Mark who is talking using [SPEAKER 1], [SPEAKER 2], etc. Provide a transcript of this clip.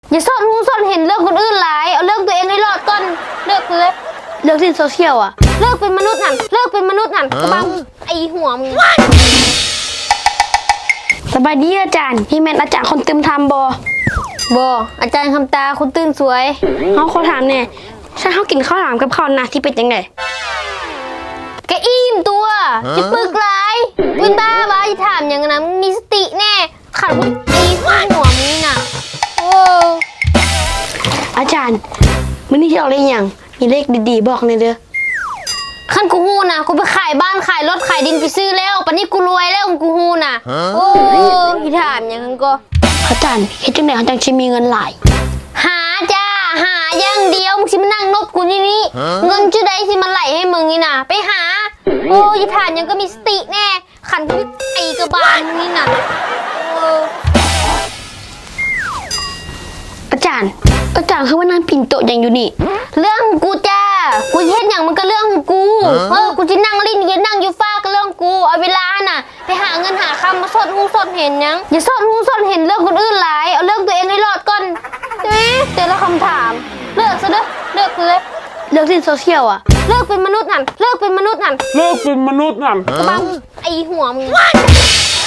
[SPEAKER 1] อย่าซ่อนหูซ่อนเห็นเรื่องคนอื่นหลายเอาเรื่องตัวเองให้รอดก่อนเลิกเลยเลิกเล่นโซเชียลอะเลิกเป็นมนุษย์นั่นเลิกเป็นมนุษย์นั่นกระบังไอหัวมึงสบายดีอาจารย์พี่แม่นอาจารย์คนตึมทำบอาจารย์คำตาคุณตื่นสวยเขาขอถามเนี่ยฉันเขากินข้าวหลามกับข้าวหนาที่เป็นยังไงแกอิ่มตัวจะปึกหลายวินบ้าบ้าจะถามอย่างนั้นมีสติแน่ขัดคุณตีหัวมึงน่ะโอ้อาจารย์มื้อนี้ที่เราเล่นอย่างมีเลขดีๆบอกเลยเด้อขั้นกูฮู้นะกูไปขายบ้านขายรถขายดินไปซื้อแล้วปะนี้กูรวยแล้วกูฮู้นะโอ้พี่ถามอย่างนั้นก็อาจารย์เฮ็ดจังได๋เขาจังสิมีเงินหลายหาจ้าหาอย่างเดียวมึงสิมานั่งนบกูนี่เงินจะได้สิมาไหลให้มึงนี่นะไปหาโอ้ยถามยังก็มีสติแน่ขันกูไอกระบาลนี่น่ะอาจารย์คือว่านั่งปิ่นโตอย่างอยู่นี่เรื่องกูจ้ากูเฮ็ดอย่างมันก็เรื่องกูกูจะนั่งลิ้นยืนนั่งอยู่ฟ้าก็เรื่องกูเอาเวลาน่ะไปหาเงินหาคำมาสดหูสดเห็นยังอย่าสดหูสดเห็นเรื่องคนอื่นหลายเอาเรื่องตัวเองให้รอดก่อนแต่ละคำถามเลิกซะเด้อเลิกเลยเลิกเล่นโซเชียลอะเลิกเป็นมนุษย์นั่นเลิกเป็นมนุษย์นั่น
[SPEAKER 2] เลิกเป็นมนุษย์นั่น
[SPEAKER 1] กระบังไอหัวมึง